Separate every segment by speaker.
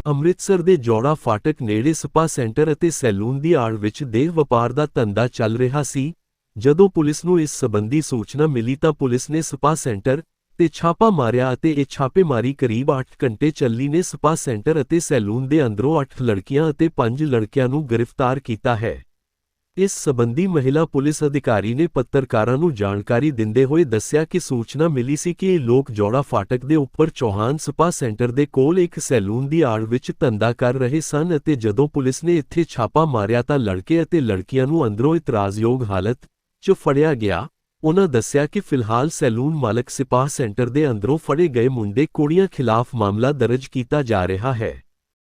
Speaker 1: ਅੰਮ੍ਰਿਤਸਰ ਦੇ ਜੋੜਾ ਫਾਟਕ ਨੇੜੇ ਸਪਾ ਸੈਂਟਰ ਅਤੇ ਸੈਲੂਨ ਦੀ ਆੜ ਵਿੱਚ ਦੇਹ ਵਪਾਰ ਦਾ ਧੰਦਾ ਚੱਲ ਰਿਹਾ ਸੀ। ਜਦੋਂ ਪੁਲਿਸ ਨੂੰ ਇਸ ਸੰਬੰਧੀ ਸੂਚਨਾ ਮਿਲੀ ਤਾਂ ਪੁਲਿਸ ਨੇ ਸਪਾ ਸੈਂਟਰ ਤੇ ਛਾਪਾ ਮਾਰਿਆ ਅਤੇ ਇਹ ਛਾਪੇਮਾਰੀ ਕਰੀਬ 8 ਘੰਟੇ ਚੱਲੀ ਨੇ। ਸਪਾ ਸੈਂਟਰ ਅਤੇ ਸੈਲੂਨ ਦੇ ਅੰਦਰੋਂ 8 ਲੜਕੀਆਂ ਅਤੇ 5 ਲੜਕਿਆਂ ਨੂੰ ਗ੍ਰਿਫਤਾਰ ਕੀਤਾ ਹੈ। ਇਸ ਸੰਬੰਧੀ ਮਹਿਲਾ ਪੁਲਿਸ ਅਧਿਕਾਰੀ ਨੇ ਪੱਤਰਕਾਰਾਂ ਨੂੰ ਜਾਣਕਾਰੀ ਦਿੰਦੇ ਹੋਏ ਦੱਸਿਆ ਕਿ ਸੂਚਨਾ ਮਿਲੀ ਸੀ ਕਿ ਇਹ ਲੋਕ ਜੋੜਾ ਫਾਟਕ ਦੇ ਉੱਪਰ ਚੌਹਾਨ ਸਪਾ ਸੈਂਟਰ ਦੇ ਕੋਲ ਇੱਕ ਸੈਲੂਨ ਦੀ ਆੜ ਵਿੱਚ ਧੰਦਾ ਕਰ ਰਹੇ ਸਨ ਅਤੇ ਜਦੋਂ ਪੁਲਿਸ ਨੇ ਇੱਥੇ ਛਾਪਾ ਮਾਰਿਆ ਤਾਂ ਲੜਕੇ ਅਤੇ ਲੜਕੀਆਂ ਨੂੰ ਅੰਦਰੋਂ ਇਤਰਾਜ਼ਯੋਗ ਹਾਲਤ 'ਚ ਫੜਿਆ ਗਿਆ। ਉਨ੍ਹਾਂ ਦੱਸਿਆ ਕਿ ਫਿਲਹਾਲ ਸੈਲੂਨ ਮਾਲਕ ਸਪਾ ਸੈਂਟਰ ਦੇ ਅੰਦਰੋਂ ਫੜੇ ਗਏ ਮੁੰਡੇ ਕੁੜੀਆਂ ਖਿਲਾਫ ਮਾਮਲਾ ਦਰਜ ਕੀਤਾ ਜਾ ਰਿਹਾ ਹੈ।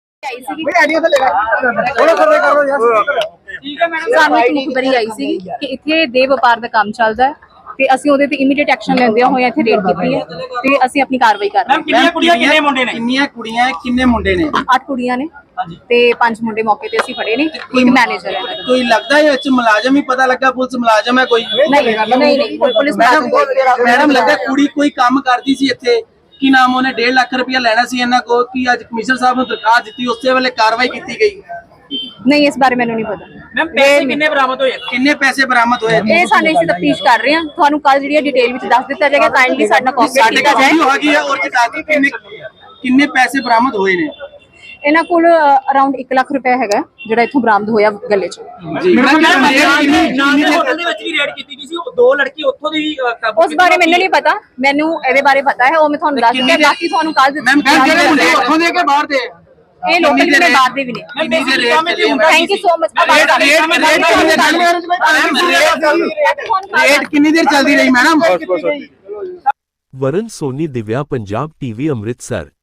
Speaker 2: ਸਾਨੂੰ ਇੱਕ ਮੁਖਬਰੀ ਆਈ ਸੀ ਕਿ ਇੱਥੇ ਦੇਹ ਵਪਾਰ ਦਾ ਕੰਮ ਚੱਲਦਾ ਹੈ ਤੇ ਅਸੀਂ ਉਹਦੇ ਤੇ ਇਮੀਡੀਏਟ ਐਕਸ਼ਨ ਲੈਂਦੇ ਹੋਏ ਇੱਥੇ ਰੇਡ ਕੀਤੀ ਹੈ ਤੇ ਅਸੀਂ ਆਪਣੀ ਕਾਰਵਾਈ ਕਰ ਰਹੇ ਹਾਂ।
Speaker 3: ਕਿੰਨੀਆਂ ਕੁੜੀਆਂ ਕਿੰਨੇ ਮੁੰਡੇ ਨੇ? ਕਿੰਨੀਆਂ ਕੁੜੀਆਂ ਕਿੰਨੇ ਮੁੰਡੇ ਨੇ?
Speaker 2: 8 ਕੁੜੀਆਂ ਨੇ ਤੇ 5 ਮੁੰਡੇ ਮੌਕੇ ਤੇ ਅਸੀਂ ਫੜੇ ਨੇ। ਇੱਕ ਮੈਨੇਜਰ ਹੈ।
Speaker 3: ਕੋਈ ਲੱਗਦਾ ਹੈ ਵਿੱਚ ਮੁਲਾਜ਼ਮ ਹੀ ਪਤਾ ਲੱਗਾ ਪੁਲਿਸ ਮੁਲਾਜ਼ਮ ਹੈ ਕੋਈ?
Speaker 2: ਨਹੀਂ ਪੁਲਿਸ
Speaker 3: ਮੈਡਮ ਲੱਗਾ ਕੁੜੀ ਕੋਈ ਕੰਮ ਕਰਦੀ ਸੀ ਇੱਥੇ, ਕੀ ਨਾਮ ਉਹਨੇ 1.5 ਲੱਖ ਰੁਪਇਆ ਲੈਣਾ ਸੀ ਇਹਨਾਂ ਕੋਲ, ਕੀ ਅੱਜ ਕਮਿਸ਼ਨਰ ਸਾਹਿਬ ਨੂੰ ਦਰਖਾਸਤ ਦਿੱਤੀ ਉਸੇ ਵੇਲੇ ਕਾਰਵਾਈ ਕੀਤੀ ਗਈ?
Speaker 2: ਨਹੀਂ ਇਸ ਬਾਰੇ ਮੈਨੂੰ ਨਹੀਂ ਪਤਾ।
Speaker 3: ਮੈਮ ਪੈਸੇ ਕਿੰਨੇ ਬਰਾਮਦ ਹੋਏ? ਕਿੰਨੇ ਪੈਸੇ ਬਰਾਮਦ ਹੋਏ?
Speaker 2: ਇਹ ਸਾਡੇ ਅਸੀਂ ਤਫਤੀਸ਼ ਕਰ ਰਹੇ ਹਾਂ। ਤੁਹਾਨੂੰ ਕੱਲ ਜਿਹੜੀ ਡਿਟੇਲ ਵਿੱਚ ਦੱਸ ਦਿੱਤਾ ਜਾਏਗਾ। ਕਾਈਂਡਲੀ ਸਾਡਾ ਕੋਆਪਰੇਟ ਕੀਤਾ ਜਾਏ।
Speaker 3: ਕਿੰਨੇ ਪੈਸੇ ਬਰਾਮਦ ਹੋਏ ਨੇ?
Speaker 2: ਇਹਨਾਂ ਕੋਲ ਅਰਾਊਂਡ 1 ਲੱਖ ਰੁਪਏ ਹੈਗਾ ਜਿਹੜਾ ਇੱਥੋਂ ਬਰਾਮਦ ਹੋਇਆ ਗੱਲੇ 'ਚ।
Speaker 3: ਹੋਟਲ ਦੇ ਵਿੱਚ ਵੀ ਰੇਡ ਕੀਤੀ ਗਈ ਸੀ, ਦੋ ਲੜਕੀ ਉੱਥੋਂ ਦੀ ਕਾਬੂ।
Speaker 2: ਉਸ ਬਾਰੇ ਮੈਨੂੰ ਨਹੀਂ ਪਤਾ, ਮੈਨੂੰ ਇਹਦੇ ਬਾਰੇ ਪਤਾ ਹੈ, ਉਹ ਮੈਂ ਤੁਹਾਨੂੰ ਦੱਸ ਦਿੰਦਾ। ਬਾਕੀ ਤੁਹਾਨੂੰ ਕੱਲ
Speaker 3: ਉੱਥੋਂ ਦੇ ਕੇ ਬਾਹਰ ਦੇ
Speaker 2: ਇਹ ਲੋਕਲ ਜਿਹੜੇ ਬਾਹਰ ਦੇ ਵੀ ਨੇ। Thank you so much.
Speaker 3: Raid ਕਿੰਨੀ ਦੇਰ ਚੱਲਦੀ ਰਹੀ ਮੈਡਮ?
Speaker 1: ਵਰਨ ਸੋਨੀ, ਦਿਵਿਆ ਪੰਜਾਬ ਟੀਵੀ, ਅੰਮ੍ਰਿਤਸਰ।